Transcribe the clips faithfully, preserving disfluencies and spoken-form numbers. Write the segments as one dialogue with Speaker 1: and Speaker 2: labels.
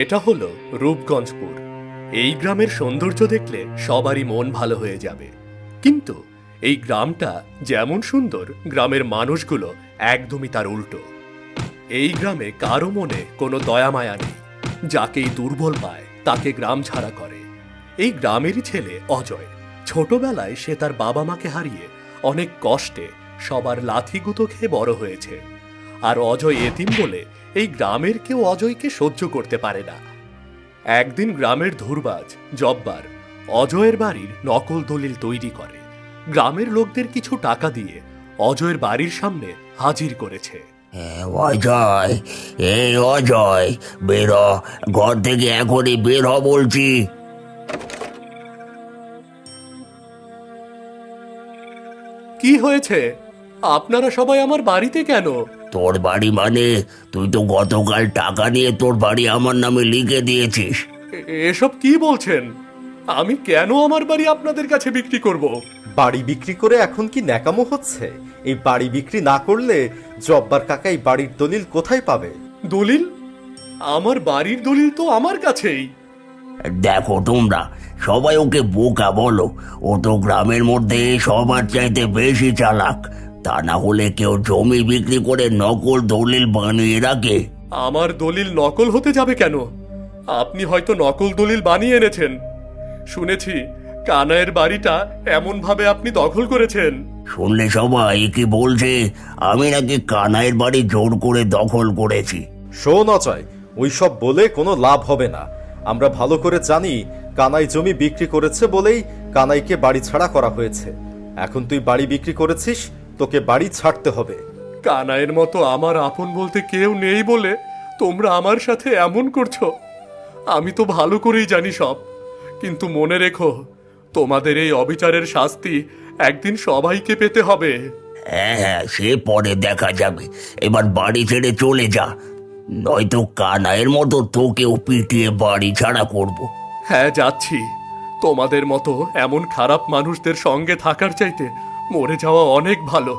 Speaker 1: এটা হলো রূপগঞ্জপুর। এই গ্রামের সৌন্দর্য দেখলে সবারই মন ভালো হয়ে যাবে, কিন্তু এই গ্রামটা যেমন সুন্দর, গ্রামের মানুষগুলো একদমই তার উল্টো। এই গ্রামে কারো মনে কোনো দয়া মায়া নেই, যাকেই দুর্বল পায় তাকে গ্রাম ছাড়া করে। এই গ্রামেরই ছেলে অজয়। ছোটবেলায় সে তার বাবা মাকে হারিয়ে অনেক কষ্টে সবার লাথিগুঁতো খেয়ে বড় হয়েছে। আর অজয় এতিম বলে এই গ্রামের কেউ অজয়কে সহ্য করতে পারে না। একদিন গ্রামের ধুরবাজ জব্বার অজয়ের বাড়ির নকল দলিল তৈরি করে গ্রামের লোকদের কিছু টাকা দিয়ে অজয়ের বাড়ির সামনে হাজির করেছে।
Speaker 2: অজয়, এই অজয়, বের হ, ঘর থেকে এখনই বের হ বলছি।
Speaker 1: কি হয়েছে? আপনারা সবাই আমার বাড়িতে কেন?
Speaker 2: তোর বাড়ি মানে তুই তো গতকাল টাকা নিয়ে তোর বাড়ি আমার নামে লিখে দিয়েছিস।
Speaker 1: এ- এসব কি বলছেন? আমি কেন আমার বাড়ি আপনাদের কাছে বিক্রি করব?
Speaker 3: বাড়ি বিক্রি করে এখন কি ন্যাকামো হচ্ছে? এই বাড়ি বিক্রি না করলে জব্বার কাকা এই বাড়ির দলিল কোথায় পাবে?
Speaker 1: দলিল? আমার বাড়ির দলিল তো আমার কাছেই।
Speaker 2: দেখো তোমরা সবাই ওকে বোকা বলো, ও তো গ্রামের মধ্যে সবার চাইতে বেশি চালাক। তা না হলে কেউ জমি বিক্রি করে নকল দলিল বানিয়ে রাখে।
Speaker 1: আমার দলিল নকল হতে যাবে কেন? আপনি হয়তো নকল দলিল বানিয়ে এনেছেন। শুনেছি কানাইয়ের বাড়িটা এমন ভাবে আপনি দখল করেছেন।
Speaker 2: শুনলে সবাই কি বলছে আমি নাকি কানাইয়ের বাড়ি জোর করে দখল করেছি।
Speaker 3: শোন অজয়, ওইসব বলে কোনো লাভ হবে না। আমরা ভালো করে জানি কানাই জমি বিক্রি করেছে বলেই কানাইকে বাড়ি ছাড়া করা হয়েছে। এখন তুই বাড়ি বিক্রি করেছিস, তোকে বাড়ি ছাড়তে হবে।
Speaker 1: কানাইয়ের মতো আমার আপন বলতে কেউ নেই বলে তোমরা আমার সাথে এমন করছো। আমি তো ভালো করেই জানি সব, কিন্তু মনে রেখো তোমাদের এই অবিচারের শাস্তি একদিন সবাইকে পেতে হবে।
Speaker 2: হ্যাঁ হ্যাঁ, সে পরে দেখা যাবে। এবার বাড়ি ছেড়ে চলে যা, নয়তো কানাইয়ের মতো তোকেও পিটিয়ে বাড়ি ছাড়া করব।
Speaker 1: হ্যাঁ, যাচ্ছি। তোমাদের মতো এমন খারাপ মানুষদের সঙ্গে থাকার চাইতে মরে যাওয়া অনেক ভালো।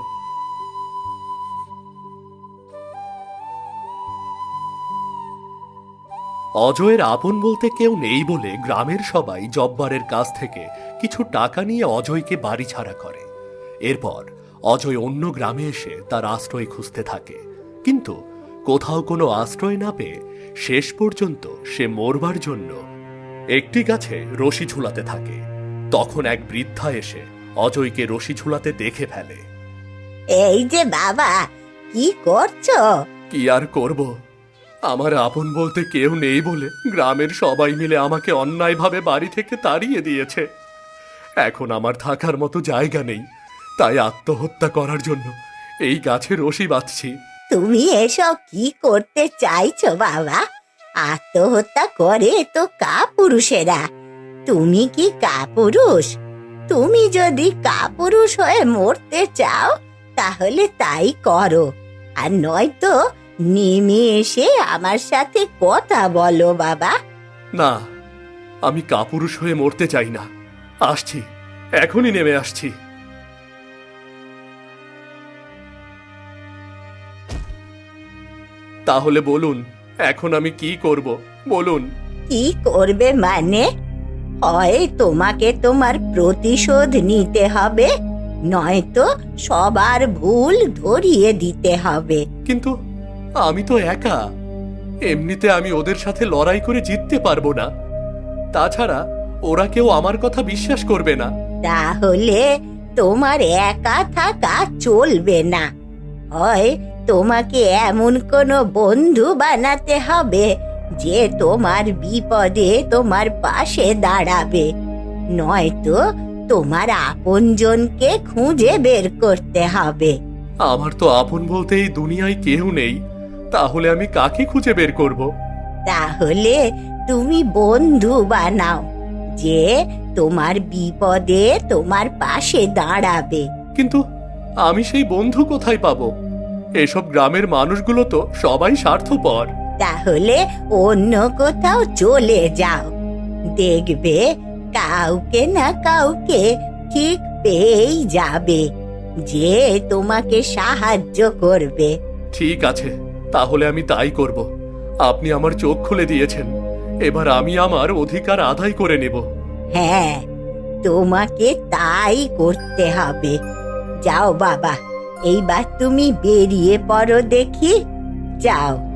Speaker 1: অজয়ের আপন বলতে কেউ নেই বলে গ্রামের সবাই জব্বারের কাছ থেকে কিছু টাকা নিয়ে অজয়কে বাড়ি ছাড়া করে। এরপর অজয় অন্য গ্রামে এসে তার আশ্রয় খুঁজতে থাকে, কিন্তু কোথাও কোনো আশ্রয় না পেয়ে শেষ পর্যন্ত সে মরবার জন্য একটি গাছে রশি ঝুলাতে থাকে। তখন এক বৃদ্ধা এসে অজয়কে রশি ঝুলাতে দেখে ফেলে।
Speaker 4: এই যে বাবা, কি করছো?
Speaker 1: কি আর করব, আমার আপন বলতে কেউ নেই বলে গ্রামের সবাই মিলে আমাকে অন্যায়ভাবে বাড়ি থেকে তাড়িয়ে দিয়েছে। এখন আমার থাকার মতো জায়গা নেই, তাই আত্মহত্যা করার জন্য এই গাছে রশি বাঁধছি।
Speaker 4: তুমি এসব কি করতে চাইছো বাবা? আত্মহত্যা করে তো কাপুরুষেরা। তুমি কি কাপুরুষ? তুমি যদি কাপুরুষ হয়ে মরতে চাও তাহলে তাই করো, আর নয়তো নেমে এসে আমার সাথে কথা বলো বাবা।
Speaker 1: না, আমি কাপুরুষ হয়ে মরতে চাই না। আসছি, এখনই নেমে আসছি। তাহলে বলুন, এখন আমি কি করব? বলুন।
Speaker 4: কি করবে মানে? হয় তোমাকে তোমার প্রতিশোধ নিতে হবে, নয়তো সবার ভুল ধরিয়ে দিতে হবে।
Speaker 1: কিন্তু আমি তো একা, এমনিতে আমি ওদের সাথে লড়াই করে জিততে পারবো না। তাছাড়া ওরা কেউ আমার কথা বিশ্বাস করবে না।
Speaker 4: তাহলে তোমার একা থাকা চলবে না। হয় তোমাকে এমন কোনো বন্ধু বানাতে হবে যে তোমার বিপদে তোমার পাশে দাঁড়াবে, নয়তো তোমার আপনজনকে খুঁজে বের করতে হবে।
Speaker 1: আমার তো আপন বলতে এই দুনিয়ায় কেউ নেই, তাহলে আমি কাকে খুঁজে বের করব?
Speaker 4: তাহলে তুমি বন্ধু বানাও যে তোমার বিপদে তোমার পাশে দাঁড়াবে।
Speaker 1: কিন্তু আমি সেই বন্ধু কোথায় পাবো? এসব গ্রামের মানুষগুলো তো সবাই স্বার্থপর।
Speaker 4: তাহলে অন্য কোথাও চলে যাও, দেখবে কাউকে না কাউকে ঠিক পেয়েই যাবে যে তোমাকে সাহায্য করবে।
Speaker 1: ঠিক আছে, তাহলে আমি তাই করব। আপনি আমার চোখ খুলে দিয়েছেন, এবার আমি আমার অধিকার আদায় করে নেব।
Speaker 4: হ্যাঁ, তোমাকে তাই করতে হবে। যাও বাবা, এইবার তুমি বেরিয়ে পড়ো দেখি, যাও।